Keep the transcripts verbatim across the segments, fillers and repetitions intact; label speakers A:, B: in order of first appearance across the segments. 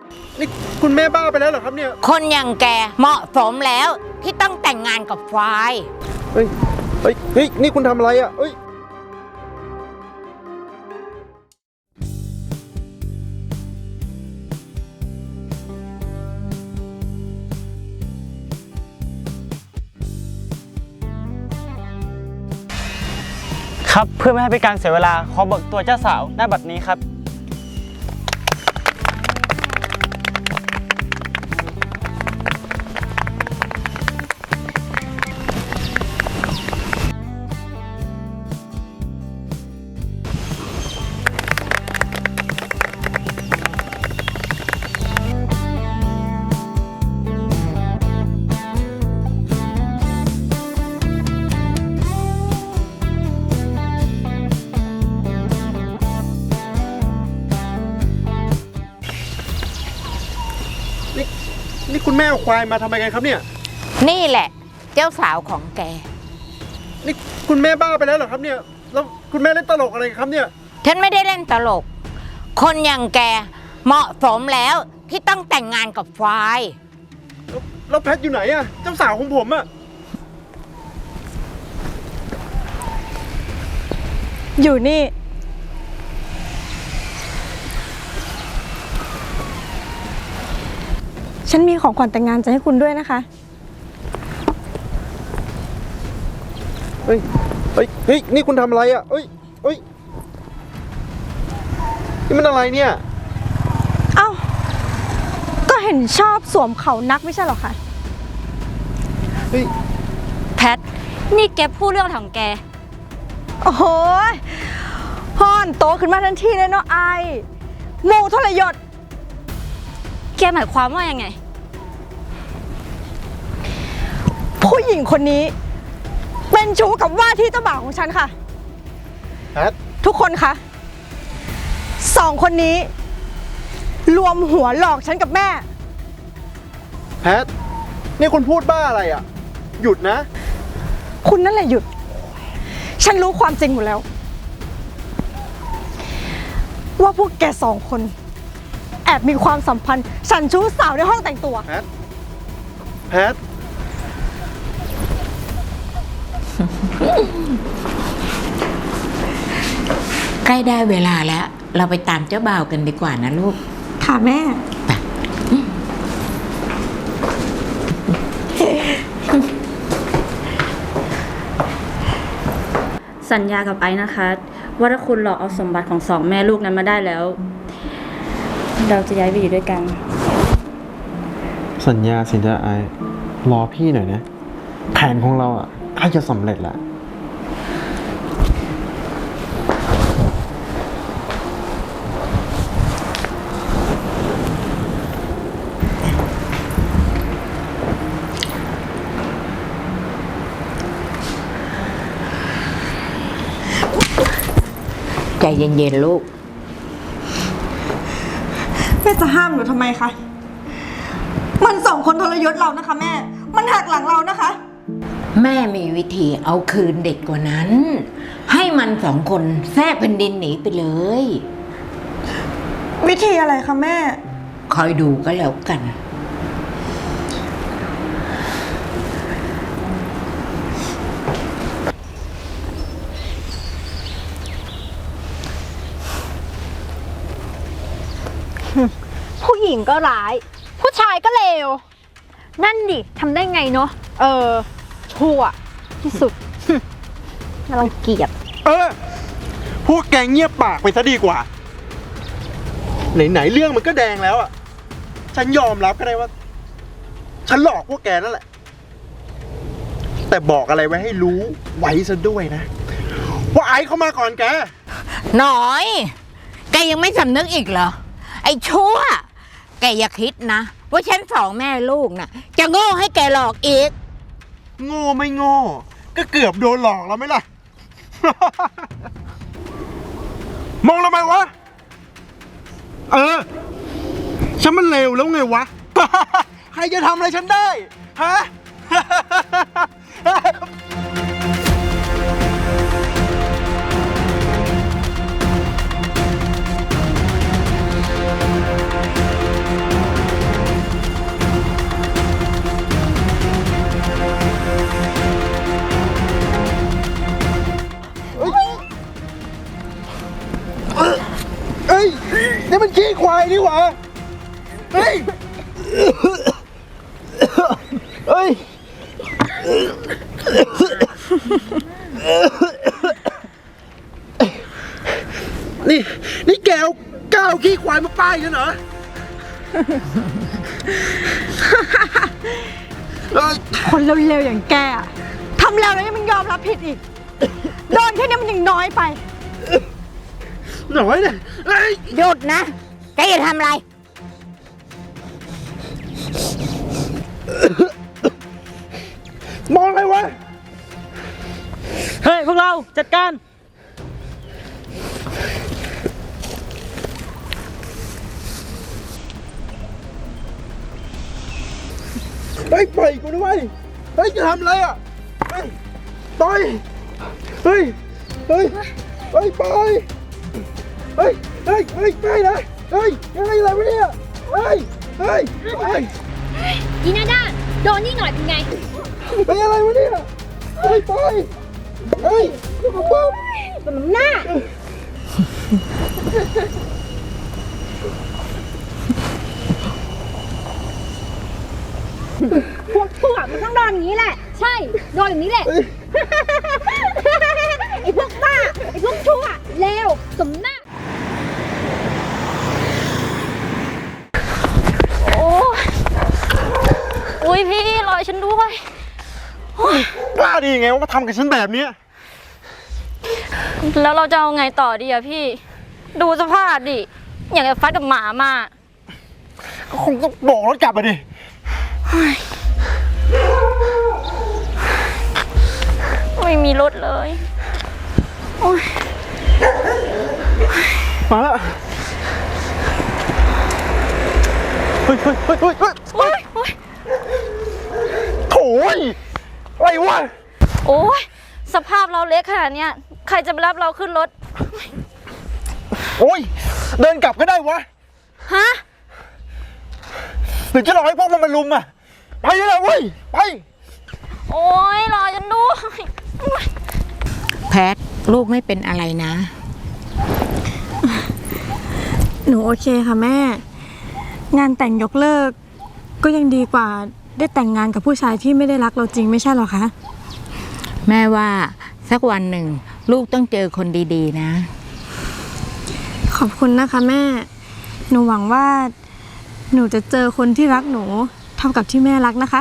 A: นี่คุณแม่บ้าไปแล้วเหรอครับเนี่ย
B: คนอย่างแกเหมาะสมแล้วที่ต้องแต่งงานกับควาย
A: เฮ้ยเฮ้ยเฮ้ยนี่คุณทำอะไรอ่ะเฮ้ย
C: ครับเพื่อไม่ให้เป็นการเสียเวลาขอเบิกตัวเจ้าสาวหน้าบัดนี้ครับ
A: นี่คุณแม่เอาควายมาทำไมกันครับเนี่ย
B: นี่แหละเจ้าสาวของแก
A: นี่คุณแม่บ้าไปแล้วเหรอครับเนี่ยแล้วคุณแม่เล่นตลกอะไรครับเนี่ย
B: ฉันไม่ได้เล่นตลกคนอย่างแกเหมาะสมแล้วที่ต้องแต่งงานกับควาย
A: แล้วแพทอยู่ไหนอะเจ้าสาวของผมอะ
D: อยู่นี่ฉันมีของขวัญแต่งงานจะให้คุณด้วยนะคะ
A: เฮ้ยเฮ้ยเฮ้ยนี่คุณทำอะไรอ่ะเฮ้ยเฮ้ยนี่มันอะไรเนี่ย
D: เอ้าก็เห็นชอบสวมเขานักไม่ใช่หรอคะ
A: เฮ้ย
E: แพทนี่แกพูดเรื่องของแก
D: โอ้โหฮ่อนโตขึ้นมาทันทีเลยเนาะไอหมูทรยศ
E: แกหมายความว่ายังไง
D: ผู้หญิงคนนี้เป็นชู้กับว่าที่เจ้าบ่าวของฉันค่ะ
A: แพท
D: ทุกคนคะสองคนนี้รวมหัวหลอกฉันกับแม่
A: แพทนี่คุณพูดบ้าอะไรอ่ะหยุดนะ
D: คุณนั่นแหละหยุดฉันรู้ความจริงหมดแล้วว่าพวกแกสองคนแอบมีความสัมพันธ์ฉันชู้สาวในห้องแต่งตัว
A: แพทแพท
B: ใกล้ได้เวลาแล้วเราไปตามเจ้าบ่าวกันดีกว่านะลูก
D: ค่ะแม่
E: สัญญากับไอ้นะคะว่าถ้าคุณหลอกเอาสมบัติของสองแม่ลูกนั้นมาได้แล้วเราจะย้ายไปอยู่ด้วยกัน
A: สัญญาสิจ้าไอรอพี่หน่อยนะแผนของเราอ่ะใกล้จะสำเร็จแล้ว
B: ใจเย็นๆลูก
D: แม่จะห้ามหนูทำไมคะมันสองคนทรยศเรานะคะแม่มันหักหลังเรานะคะ
B: แม่มีวิธีเอาคืนเด็ดกว่านั้นให้มันสองคนแทรกแผ่นดินหนีไปเลย
D: วิธีอะไรคะแม่
B: คอยดูก็แล้วกัน
E: ผู้หญิงก็ร้ายผู้ชายก็เลวนั่นดิทำได้ไงเนาะเออชั่วที่สุดน่ารังเกียจ
A: เออพวกแกเงียบปากไปซะดีกว่าไหนๆเรื่องมันก็แดงแล้วอ่ะฉันยอมรับก็ได้ว่าฉันหลอกพวกแกนั่นแหละแต่บอกอะไรไว้ให้รู้ไว้ซะด้วยนะว่าไอ้เข้ามาก่อนแก
B: หน่อยแกยังไม่สำนึกอีกเหรอไอ้ชั่วแกอย่าคิดนะว่าฉันสองแม่ลูกน่ะจะโง่ให้แกหลอกอีก
A: โง่ไม่โง่ก็เกือบโดนหลอกแล้วไหมล่ะ มองทำไมวะเออฉันมันเลวแล้วไงวะ ใครจะทำอะไรฉันได้ฮะนี่มันขี้ควายนี่หว่าเฮ้ย เฮ้ย นี่ นี่แกเอาก้าวขี้ควายมาป้ายกันเหรอเอ้ย
D: คนเร็วๆอย่างแกอะทำแล้วแล้วยังไม่ยอมรับผิดอีก โดนแค่นี้มันยังน้อยไป
A: หน่อยเนี่ยเฮ้ย
B: หยุดนะ แกจะทำอะไร
A: มองอะไรวะ
C: เฮ้ย พวกเราจัดการ
A: เฮ้ยปล่อยกูด้วยเฮ้ยจะทำอะไรอ่ะเฮ้ยปล่อยเฮ้ย เฮ้ย เฮ้ยปล่อยเฮ้ย เฮ้ย เฮ้ยไม่นะเฮ้ยยังไงอะไรวะเนี่ย เฮ้ย เฮ้ยเฮ้ย
E: อีนาด้าโดนนี่หน่อยเป็นไง
A: เฮ้ยอะไรวะเนี่ย เฮ้ยปล่อยเฮ้ยปุ๊บ
E: สมหน้า พวกพวกมันต้องโดนอย่างนี้แหละ ใช่ โดนอย่างนี้แหละ ไอ้พวกบ้า ไอ้พวกชั่วเลวสมหน้า
F: โอ้ยอุ้ยพี่รอฉันด้วย
A: กล้าดีไงว่ามาทำกับฉันแบบเนี้ย
F: แล้วเราจะเอาไงต่อดีอะพี่ ดูสภาพดิ อย่างกับฟัดกับหมามา
A: ก็คงต้องโบกรถกลับมาดิ
F: ไม่มีรถเลย โอ้ย
A: มาแล้ว เฮ้ยเฮ้ยเฮ้ยเฮ้ยเฮ้ย
F: โอ้ยโอ้ย
A: โถ่ยอะไรวะ
F: โอ้ยสภาพเราเล็กขนาดเนี้ย ใครจะไปรับเราขึ้นรถ
A: โอ้ย เดินกลับก็ได้วะ
F: ฮะ
A: หรือจะรอให้พวกมันมาลุมอ่ะ ไปเลยนะเว้ย ไป
F: โอ้ยรอฉันด้วย
B: แพท ลูกไม่เป็นอะไรนะ
D: หนูโอเคค่ะแม่ งานแต่งยกเลิก ก็ยังดีกว่าได้แต่งงานกับผู้ชายที่ไม่ได้รักเราจริงไม่ใช่หรอคะ
B: แม่ว่าสักวันหนึ่ง ลูกต้องเจอคนดีๆนะ
D: ขอบคุณนะคะแม่ หนูหวังว่า หนูจะเจอคนที่รักหนูเท่ากับที่แม่รักนะคะ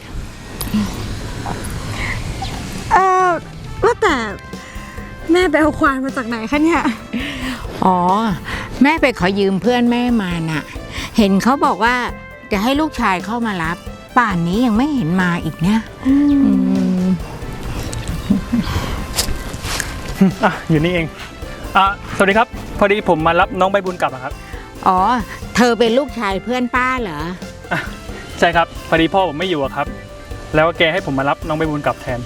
D: เออว่าแต่แม่ไปเอาควายมาจากไหนคะเนี่ย
B: อ๋อ แม่ไปขอยืมเพื่อนแม่มาน่ะ เห็นเขาบอกว่าจะให้ลูกชายเข้ามารับ ป่านนี้ยังไม่เห็นมาอีกเนี่ยอืม
C: อ่ะ อยู่นี่เอง อ่ะ สวัสดีครับ พอดีผมมารับน้องใบบุญกลับอะครับ
B: อ๋อ เธอเป็นลูกชายเพื่อนป้าเหรอ
C: อ่ะใช่ครับ พอดีพ่อผมไม่อยู่อะครับ แล้วแกให้ผมมารับน้องใบบุญกลับแทน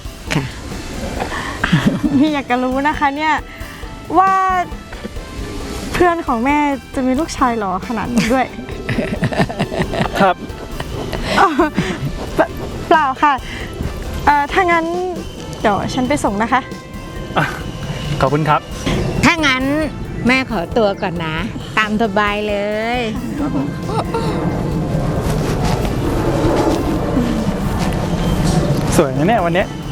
D: พี่อยากจะรู้นะคะเนี่ยว่าเพื่อนของแม่จะมีลูกชายหล่อขนาดนี้ด้วย
C: ครับ
D: อ๋อเปล่าเปล่าค่ะเอ่อถ้างั้นเดี๋ยวฉันไปส่งนะคะ
C: อ่ะ ขอบคุณครับ
B: ถ้างั้นแม่ขอตัวก่อนนะ ตามสบายเลย
C: สวยนะเนี่ยวันเนี้ย